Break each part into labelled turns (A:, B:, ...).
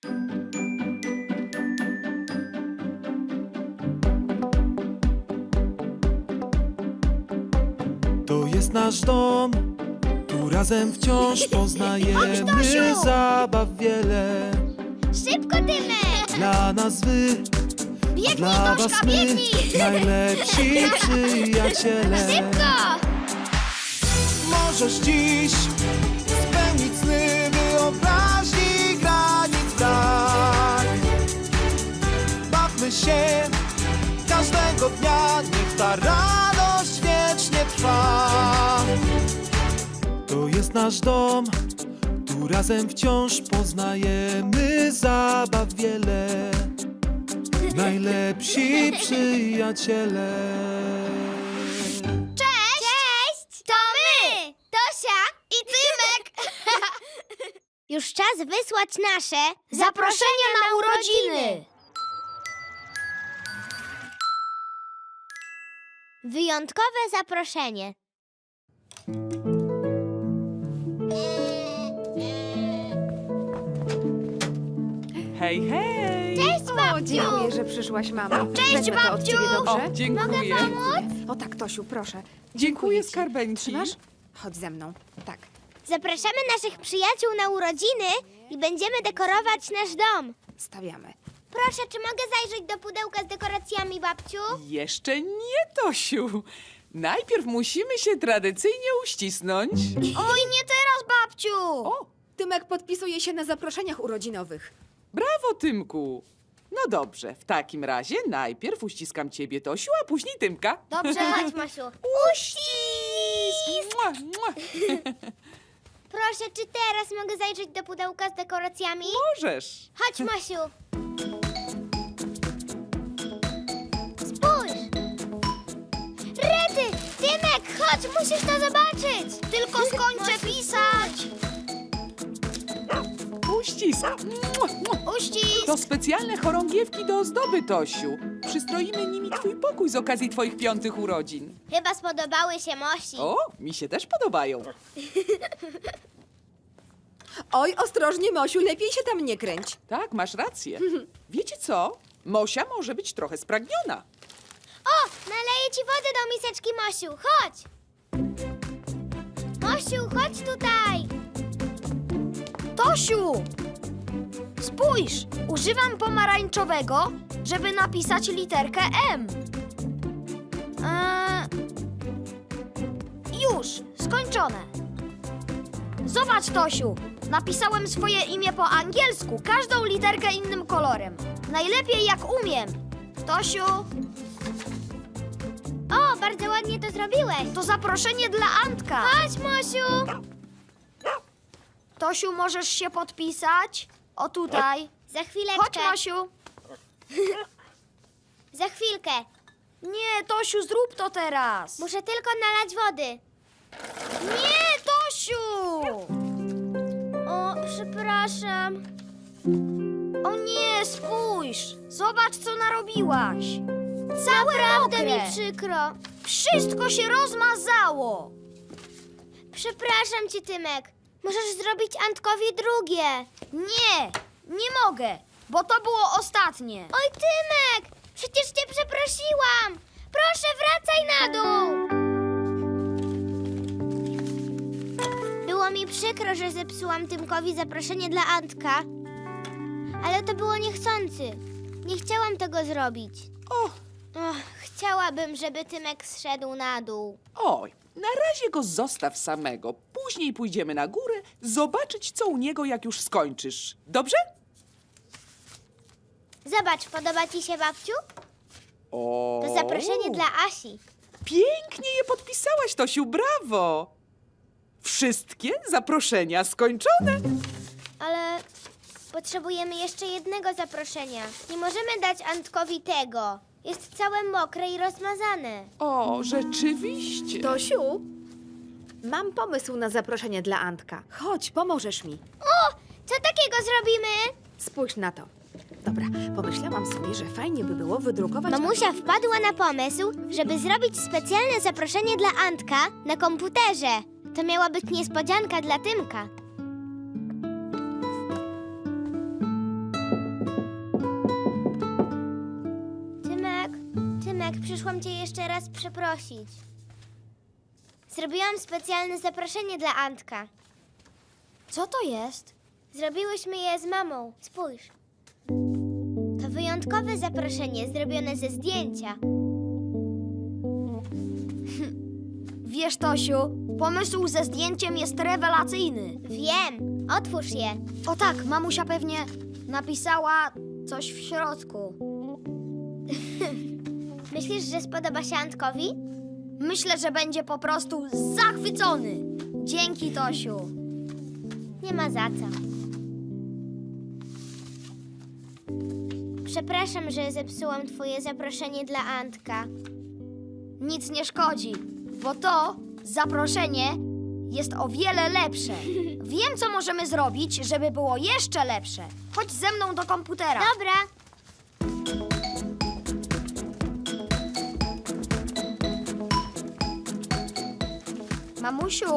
A: To jest nasz dom, tu razem wciąż poznajemy
B: Tosiu!
A: zabaw wiele.
B: Szybko, Tymek!
A: Dla nas wy,
B: Biegnij,
A: dla was
B: Toszka,
A: my,
B: biegnij!
A: najlepsi przyjaciele.
B: Szybko!
A: Możesz dziś spełnić sny wyobraźni granic brak. Bawmy się każdego dnia, niech ta radość wiecznie trwa. To jest nasz dom, tu razem wciąż poznajemy zabaw wiele. Najlepsi przyjaciele.
B: Cześć! To my! Tosia i Tymek! Już czas wysłać nasze zaproszenia na urodziny! Wyjątkowe zaproszenie.
C: Hej, hej!
B: Cześć,
D: O,
B: babciu!
D: dziękuję, że przyszłaś, mamo.
B: Cześć,
D: Wezmę to od
B: babciu!
D: ciebie, dobrze?
C: O, dziękuję.
D: O tak, Tosiu, proszę.
C: Dziękuję,
D: ci.
C: skarbeńki.
D: Trzymasz? Chodź ze mną. Tak.
B: Zapraszamy naszych przyjaciół na urodziny i będziemy dekorować nasz dom.
D: Stawiamy.
B: Proszę, czy mogę zajrzeć do pudełka z dekoracjami, babciu?
C: Jeszcze nie, Tosiu. Najpierw musimy się tradycyjnie uścisnąć.
B: Oj, nie teraz, babciu!
C: O,
D: Tymek podpisuje się na zaproszeniach urodzinowych.
C: brawo, Tymku. No dobrze, w takim razie najpierw uściskam ciebie, Tosiu, a później Tymka.
B: Dobrze, chodź, Masiu.
C: Uścisk! Mua, mua.
B: Proszę, czy teraz mogę zajrzeć do pudełka z dekoracjami?
C: Możesz.
B: Chodź, Masiu. Spójrz! Rety! Tymek, chodź, musisz to zobaczyć! Tylko skończę pisać!
C: Uścisk. Mua, mua.
B: Uścisk!
C: To specjalne chorągiewki do ozdoby, Tosiu. Przystroimy nimi twój pokój z okazji twoich 5. urodzin.
B: Chyba spodobały się Mosi.
C: O, mi się też podobają.
D: Oj, ostrożnie, Mosiu, lepiej się tam nie kręć.
C: Tak, masz rację. Wiecie co? Mosia może być trochę spragniona.
B: O, naleję ci wody do miseczki, Mosiu. Chodź! Mosiu, chodź tutaj!
E: Tosiu! Spójrz! Używam pomarańczowego, żeby napisać literkę M. Już! Skończone! Zobacz, Tosiu! Napisałem swoje imię po angielsku, każdą literkę innym kolorem. Najlepiej jak umiem. Tosiu,
B: O, bardzo ładnie to zrobiłeś.
E: to zaproszenie dla Antka.
B: Chodź, Mosiu!
E: Tosiu, możesz się podpisać? O tutaj.
B: Za chwileczkę.
E: Chodź, Mosiu.
B: Za chwilkę.
E: Nie, Tosiu, zrób to teraz.
B: Muszę tylko nalać wody.
E: Nie, Tosiu!
B: O, przepraszam.
E: O nie, spójrz! Zobacz, co narobiłaś! Całe
B: Naprawdę
E: mokre!
B: mi przykro.
E: Wszystko się rozmazało!
B: Przepraszam cię, Tymek. Możesz zrobić Antkowi drugie.
E: Nie, nie mogę, bo to było ostatnie.
B: Oj, Tymek! Przecież cię przeprosiłam. Proszę, wracaj na dół. Było mi przykro, że zepsułam Tymkowi zaproszenie dla Antka. Ale to było niechcący. Nie chciałam tego zrobić.
C: O,
B: Chciałabym, żeby Tymek zszedł na dół.
C: oj, na razie go zostaw samego. Później pójdziemy na górę, zobaczyć, co u niego, jak już skończysz. Dobrze?
B: Zobacz, podoba ci się, babciu?
C: O.
B: To zaproszenie dla Asi.
C: Pięknie je podpisałaś, Tosiu, brawo! Wszystkie zaproszenia skończone.
B: Ale potrzebujemy jeszcze jednego zaproszenia. Nie możemy dać Antkowi tego. Jest całe mokre i rozmazane.
C: O, rzeczywiście.
D: Tosiu, mam pomysł na zaproszenie dla Antka. Chodź, pomożesz mi.
B: O! Co takiego zrobimy?
D: Spójrz na to. Dobra, pomyślałam sobie, że fajnie by było wydrukować...
B: Mamusia wpadła na pomysł, żeby zrobić specjalne zaproszenie dla Antka na komputerze. To miała być niespodzianka dla Tymka. przyszłam cię jeszcze raz przeprosić. Zrobiłam specjalne zaproszenie dla Antka.
E: Co to jest?
B: Zrobiłyśmy je z mamą. Spójrz. To wyjątkowe zaproszenie zrobione ze zdjęcia.
E: Wiesz, Tosiu, pomysł ze zdjęciem jest rewelacyjny.
B: Wiem. Otwórz je.
E: O tak, mamusia pewnie napisała coś w środku.
B: Myślisz, że spodoba się Antkowi?
E: Myślę, że będzie po prostu zachwycony. Dzięki, Tosiu.
B: Nie ma za co. Przepraszam, że zepsułam twoje zaproszenie dla Antka.
E: Nic nie szkodzi, bo to zaproszenie jest o wiele lepsze. Wiem, co możemy zrobić, żeby było jeszcze lepsze. Chodź ze mną do komputera.
B: Dobra.
E: Mamusiu,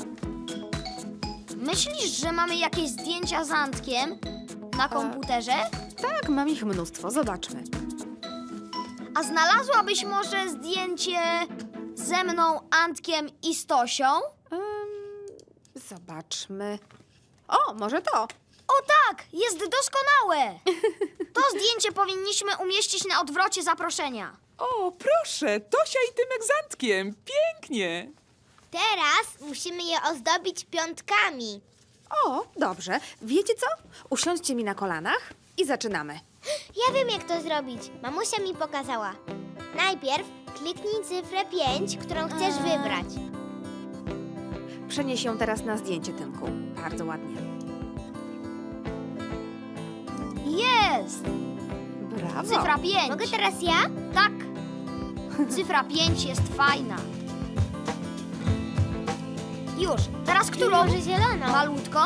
E: myślisz, że mamy jakieś zdjęcia z Antkiem na komputerze?
D: Tak, mam ich mnóstwo, zobaczmy.
E: A znalazłabyś może zdjęcie ze mną, Antkiem i Stosią?
D: Zobaczmy. O, może to.
E: O tak, jest doskonałe! To zdjęcie powinniśmy umieścić na odwrocie zaproszenia.
C: O, proszę, Tosia i Tymek z Antkiem. Pięknie.
B: Teraz musimy je ozdobić piątkami.
D: O, dobrze. Wiecie co? Usiądźcie mi na kolanach i zaczynamy.
B: Ja wiem, jak to zrobić. Mamusia mi pokazała. Najpierw kliknij cyfrę 5, którą chcesz wybrać.
D: Przenieś ją teraz na zdjęcie, Tymku. Bardzo ładnie.
E: Jest!
D: Brawo.
E: Cyfra 5.
B: Mogę teraz ja?
E: Tak. Cyfra 5 jest fajna. Już. Teraz którą?
B: Może zieloną?
E: Malutką?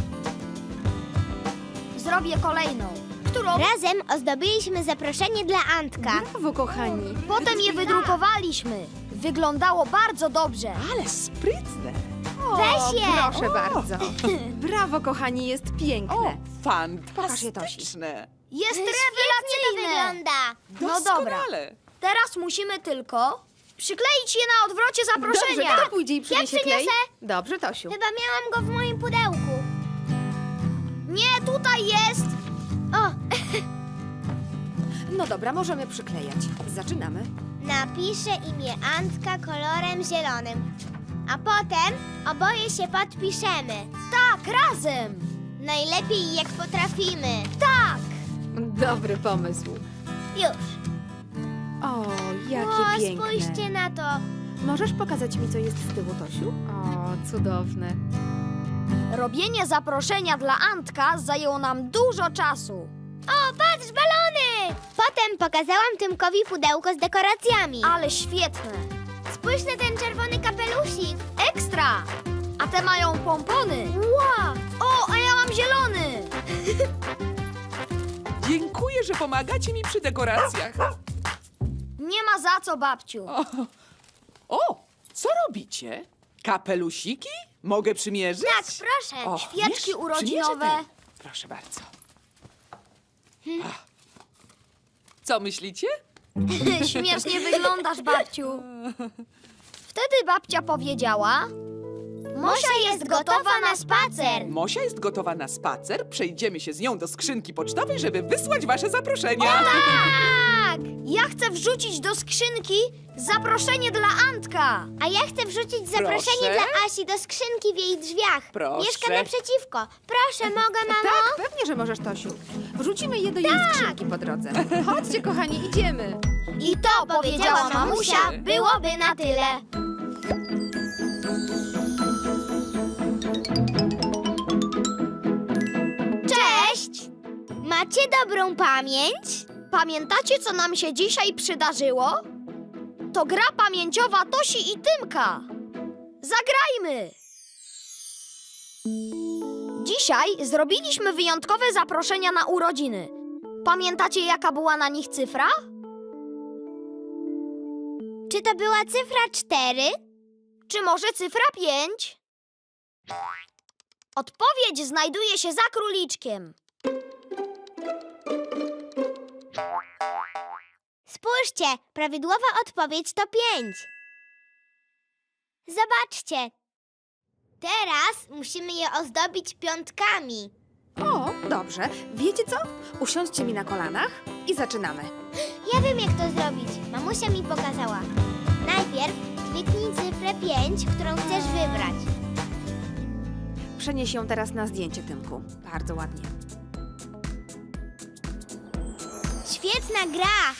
E: Zrobię kolejną. Którą?
B: Razem ozdobiliśmy zaproszenie dla Antka.
D: Brawo, kochani.
E: Potem je wydrukowaliśmy. Wyglądało bardzo dobrze.
C: Ale sprytne.
B: Weź je!
D: Proszę bardzo. Brawo, kochani, jest
C: O,
D: piękne.
C: fantastyczne.
E: Jest
B: Świetnie to
E: rewelacyjne.
B: wygląda.
E: No dobra.
C: Doskonale.
E: Teraz musimy tylko przykleić je na odwrocie
D: Dobrze,
E: zaproszenia.
D: kto pójdzie i przyniesie klej?
B: przyniosę.
D: Dobrze, Tosiu.
B: Chyba miałam go w moim pudełku.
E: Nie, tutaj jest.
B: O,
D: No dobra, możemy przyklejać. Zaczynamy.
B: napiszę imię Antka kolorem zielonym. A potem oboje się podpiszemy.
E: Tak, razem.
B: Najlepiej jak potrafimy.
E: Tak.
D: Dobry pomysł.
B: Już.
D: O, jakie
B: O,
D: piękne.
B: spójrzcie na to.
D: Możesz pokazać mi, co jest z tyłu, Tosiu? O, cudowne.
E: Robienie zaproszenia dla Antka zajęło nam dużo czasu.
B: O, patrz, balony! Potem pokazałam Tymkowi pudełko z dekoracjami.
E: Ale świetne.
B: Spójrz na ten czerwony kapelusik.
E: Ekstra. A te mają pompony.
B: Wow!
E: O, a ja mam zielony.
C: Dziękuję, że pomagacie mi przy dekoracjach.
E: Nie ma za co, babciu.
C: O, co robicie? Kapelusiki? Mogę przymierzyć?
B: Tak, proszę.
C: O,
E: Świeczki
C: wiesz,
E: urodzinowe.
C: przymierzę te. Proszę bardzo. Ach. Co myślicie?
E: Śmiesznie wyglądasz, babciu. Wtedy babcia powiedziała: Mosia jest gotowa na spacer.
C: Mosia jest gotowa na spacer. Przejdziemy się z nią do skrzynki pocztowej, żeby wysłać wasze zaproszenia.
B: Tak!
E: Ja chcę wrzucić do skrzynki zaproszenie dla Antka.
B: A ja chcę wrzucić zaproszenie
C: Proszę?
B: dla Asi do skrzynki w jej drzwiach.
C: Proszę.
B: Mieszka naprzeciwko. Proszę, mogę, mamo?
D: Tak, pewnie, że możesz, Tosiu. Wrzucimy je do jej skrzynki po drodze. Chodźcie, kochani, idziemy.
E: I to powiedziała mamusia, byłoby na tyle. Cześć!
B: Macie dobrą pamięć?
E: Pamiętacie, co nam się dzisiaj przydarzyło? To gra pamięciowa Tosi i Tymka. Zagrajmy! Dzisiaj zrobiliśmy wyjątkowe zaproszenia na urodziny. Pamiętacie, jaka była na nich cyfra?
B: Czy to była cyfra 4?
E: Czy może cyfra 5? Odpowiedź znajduje się za króliczkiem.
B: Spójrzcie, prawidłowa odpowiedź to 5. Zobaczcie. Teraz musimy je ozdobić piątkami.
D: O, dobrze. Wiecie co? Usiądźcie mi na kolanach i zaczynamy.
B: Ja wiem, jak to zrobić. Mamusia mi pokazała. Najpierw kliknij cyfrę 5, którą chcesz wybrać.
D: Przenieś ją teraz na zdjęcie, Tymku. Bardzo ładnie.
B: Świetna gra!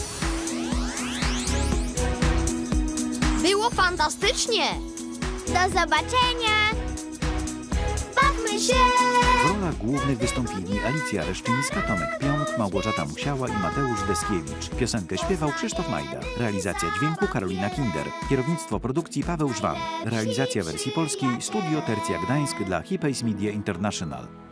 E: Było fantastycznie!
B: Do zobaczenia! Bawmy się!
F: W rolach głównych wystąpili Alicja Reszczyńska, Tomek Pionk, Małgorzata Musiała i Mateusz Deskiewicz. Piosenkę śpiewał Krzysztof Majda. Realizacja dźwięku Karolina Kinder. Kierownictwo produkcji Paweł Żwan. Realizacja wersji polskiej Studio Tercja Gdańsk dla Hipays Media International.